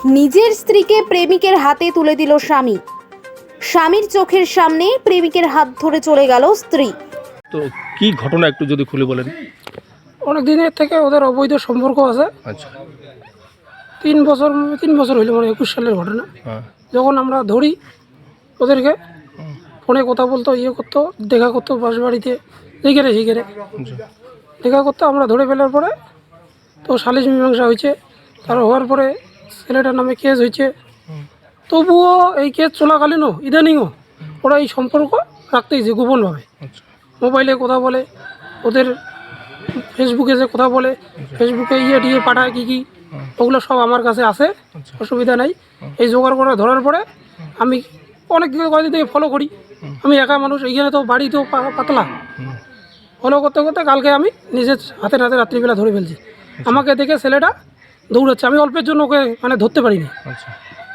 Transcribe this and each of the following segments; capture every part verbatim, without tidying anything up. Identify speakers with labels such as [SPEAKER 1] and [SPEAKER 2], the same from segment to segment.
[SPEAKER 1] নিজের স্ত্রীকে প্রেমিকের হাতে তুলে দিল স্বামী। স্বামীর চোখের সামনে প্রেমিকের হাত ধরে চলে গেল স্ত্রী।
[SPEAKER 2] তো কি ঘটনা একটু যদি খুলে বলেন।
[SPEAKER 3] অনেক দিনের থেকে ওদের অবৈধ সম্পর্ক আছে।
[SPEAKER 2] আচ্ছা।
[SPEAKER 3] তিন বছর তিন বছর হইলো, মানে একুশ সালের ঘটনা।
[SPEAKER 2] হ্যাঁ।
[SPEAKER 3] যখন আমরা ধরি ওদেরকে, ফোনে কথা বলতো, ইয়ে করতো, দেখা করতো বাস বাড়িতে, এইখানে সেইখানে দেখা করতো। আমরা ধরে ফেলার পরে তো সালিশ মীমাংসা হয়েছে। তার হওয়ার পরে ছেলেটার নামে কেস হয়েছে। তবুও এই কেস চলাকালীনও ইদানিংও ওরা এই সম্পর্ক রাখতেইছে গোপনভাবে। মোবাইলে কথা বলে, ওদের ফেসবুকে যে কথা বলে, ফেসবুকে ইয়ে টিয়ে পাঠায় কী কী, ওগুলো সব আমার কাছে আছে, অসুবিধা নাই। এই জোগাড় করে ধরার পরে আমি অনেক দিকে কয়েকদিন থেকে ফলো করি। আমি একা মানুষ, এইখানে তো বাড়ি তো পাতলা, ফলো করতে করতে কালকে আমি নিজের হাতে হাতে রাত্রিবেলা ধরে ফেলছি। আমাকে দেখে ছেলেটা দৌড়াচ্ছে, আমি অল্পের জন্য ওকে মানে ধরতে পারিনি।
[SPEAKER 2] আচ্ছা।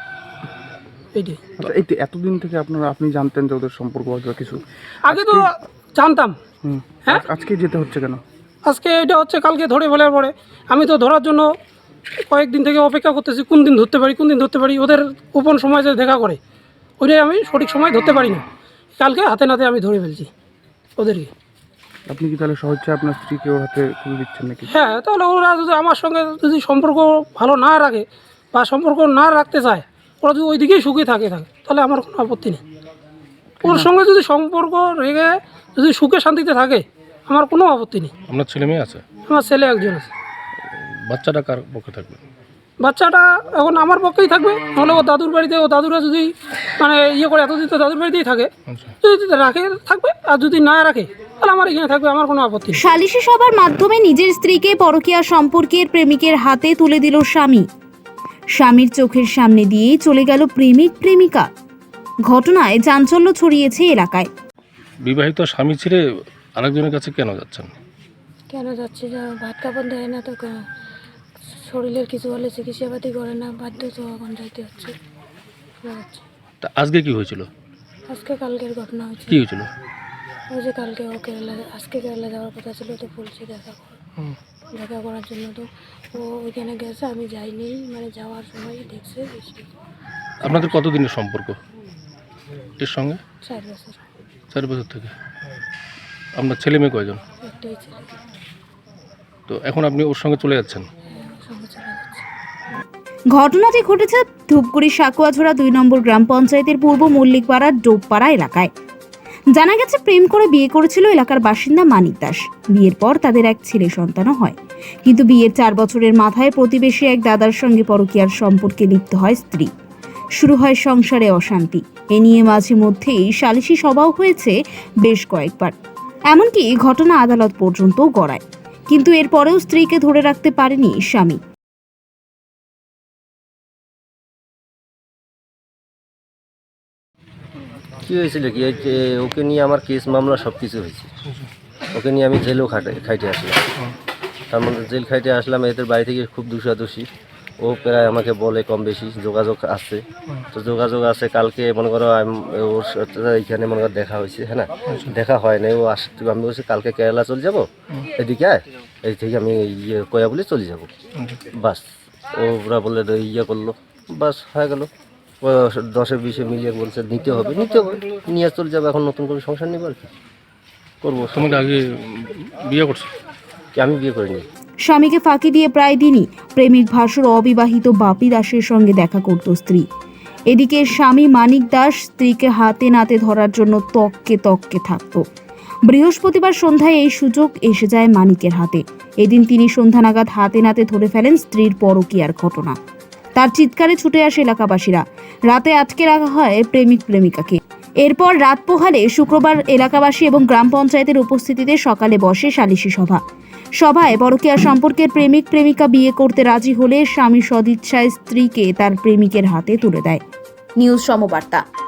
[SPEAKER 3] এইটাই।
[SPEAKER 4] আচ্ছা, এই তো এতদিন থেকে আপনারা আপনি জানতেন যে ওদের সম্পর্ক বা কিছু?
[SPEAKER 3] আগে তো জানতাম।
[SPEAKER 4] হুম।
[SPEAKER 3] হ্যাঁ,
[SPEAKER 4] আজকে যেতে হচ্ছে কেন?
[SPEAKER 3] আজকে এটা হচ্ছে কালকে ধরে ফেলার পরে আমি তো ধরার জন্য কয়েকদিন থেকে অপেক্ষা করতেছি, কোন দিন ধরতে পারি কোন দিন ধরতে পারি। ওদের গোপন সময় যে দেখা করে, ওইটাই আমি সঠিক সময় ধরতে পারি না। কালকে হাতে নাতে আমি ধরে ফেলছি ওদেরকে।
[SPEAKER 4] আপনি কি তাহলে স্বেচ্ছায় আপনার স্ত্রীকে ওর হাতে তুলে দিচ্ছেন নাকি?
[SPEAKER 3] হ্যাঁ, তাহলে ওরা যদি আমার সঙ্গে যদি সম্পর্ক ভালো না রাখে বা সম্পর্ক না রাখতে চায়, ওরা যদি ওই দিকেই সুখী থাকে থাকে তাহলে আমার কোনো আপত্তি নেই। ওর সঙ্গে যদি সম্পর্ক রেখে যদি সুখে শান্তিতে থাকে আমার কোনো আপত্তি নেই।
[SPEAKER 2] আপনার ছেলে মেয়ে আছে?
[SPEAKER 3] আমার ছেলে একজন আছে।
[SPEAKER 2] বাচ্চাটা কার পক্ষে থাকবে?
[SPEAKER 3] বাচ্চাটা এখন আমার পক্ষেই থাকবে, নাহলে ও দাদুর বাড়িতে, ও দাদুরা যদি মানে ইয়ে করে এতদিন তো দাদুর বাড়িতেই থাকে, যদি রাখে থাকবে, আর যদি না রাখে তাহলে আমার এখানে থাকবে, আমার কোনো আপত্তি নেই।
[SPEAKER 1] সালিশি সভার মাধ্যমে নিজের স্ত্রীকে পরকীয়া সম্পর্কের প্রেমিকের হাতে তুলে দিল স্বামী। স্বামীর চোখের সামনে দিয়ে চলে গেল প্রেমিক প্রেমিকা। ঘটনায় চাঞ্চল্য ছড়িয়েছে এলাকায়।
[SPEAKER 2] বিবাহিত স্বামী ছেড়ে আরেকজনের কাছে কেন যাচ্ছেন?
[SPEAKER 5] কেন যাচ্ছে, যা ভাত কাপড় দেয় না তো, কা- শরীরের কিছু হলে চিকিৎসাপাতি করে না, বাধ্য তো এখন যাইতে হচ্ছে। যাচ্ছে।
[SPEAKER 2] তা আজকে কি হয়েছিল?
[SPEAKER 5] আজকে কালকের ঘটনা হয়েছে।
[SPEAKER 2] কি হয়েছিল?
[SPEAKER 5] ওই যে কালকে ও কেরালা, আজকে কেরালা যাওয়ার কথা ছিল, তো বলছি দেখা কর, দেখা করার জন্য। তো ও ওইখানে গেছে, আমি যাইনি, মানে যাওয়ার সময় দেখছে বৃষ্টি।
[SPEAKER 2] আপনাদের কতদিনের সম্পর্ক এর সঙ্গে?
[SPEAKER 5] চার বছর।
[SPEAKER 2] চার বছর থেকে। আপনার ছেলে মেয়ে কয়জন?
[SPEAKER 5] একটাই ছেলে।
[SPEAKER 2] তো এখন আপনি ওর সঙ্গে চলে যাচ্ছেন?
[SPEAKER 5] হ্যাঁ, ওর সঙ্গে চলে যাচ্ছে।
[SPEAKER 1] ঘটনাটি ঘটেছে ধূপগুড়ি সাকুয়াঝোড়া দুই নম্বর গ্রাম পঞ্চায়েতের পূর্ব মল্লিকপাড়ার ডোবপাড়া এলাকায়। জানা গেছে প্রেম করে বিয়ে করেছিল এলাকার বাসিন্দা মানিক দাস। বিয়ের পর তাদের এক ছেলে সন্তানও হয়, কিন্তু বিয়ের চার বছরের মাথায় প্রতিবেশী এক দাদার সঙ্গে পরকীয়ার সম্পর্কে লিপ্ত হয় স্ত্রী। শুরু হয় সংসারে অশান্তি। এ নিয়ে মাঝে মধ্যেই সালিশি সভাও হয়েছে বেশ কয়েকবার, এমনকি ঘটনা আদালত পর্যন্তও গড়ায়, কিন্তু এরপরেও স্ত্রীকে ধরে রাখতে পারেনি স্বামী।
[SPEAKER 6] কী হয়েছিল কি, এই যে ওকে নিয়ে আমার কেস মামলা সব কিছু হয়েছে। ওকে নিয়ে আমি জেলেও খাটে খাইটে আসলাম। তার মধ্যে জেল খাইটে আসলাম, এদের বাড়ি থেকে খুব দোষাদোষী। ও প্রায় আমাকে বলে কম বেশি যোগাযোগ আছে, তো যোগাযোগ আছে। কালকে মনে করো আম- ওর সাথে এইখানে মনে করো দেখা হয়েছে, হ্যাঁ না, দেখা হয় নাই। ও আস, আমি বলছি কালকে কেরালা চলে যাবো, এদিকে আয়, এই থেকে আমি ইয়ে কয়া বলে চলে যাবো। বাস ওরা বলে ইয়ে করলো, বাস হয়ে গেল। ও দশে বিশে মিলিয়ে বলছে নিতে হবে, নিতে হবে, নিয়ে চলে যাবো। এখন নতুন করে সংসার নেবো, আর কি করবো।
[SPEAKER 2] তোমাকে আগে বিয়ে করছো?
[SPEAKER 6] কি আমি বিয়ে করিনি।
[SPEAKER 1] স্বামীকে ফাঁকি দিয়ে প্রায় দিনই প্রেমিক ভাসুর অবিবাহিত বাপি দাসের সঙ্গে দেখা করত স্ত্রী। এদিকে স্বামী মানিক দাস স্ত্রীকে হাতে নাতে ধরার জন্য তককে তককে থাকত। বৃহস্পতিবার সন্ধ্যায় এই সুযোগ এসে যায় মানিকের হাতে। এদিন তিনি সন্ধ্যা নাগাদ হাতে নাতে ধরে ফেলেন স্ত্রীর পরকীয়ার ঘটনা। তার চিৎকারে ছুটে আসে এলাকাবাসীরা। রাতে আটকে রাখা হয় প্রেমিক প্রেমিকাকে। এরপর রাত পোহালে শুক্রবার এলাকাবাসী এবং গ্রাম পঞ্চায়েতের উপস্থিতিতে সকালে বসে সালিশি সভা। সভায় পরকীয়া সম্পর্কের প্রেমিক প্রেমিকা বিয়ে করতে রাজি হলে স্বামী সদিচ্ছায় স্ত্রীকে তার প্রেমিকের হাতে তুলে দেয়। নিউজ সমবার্তা।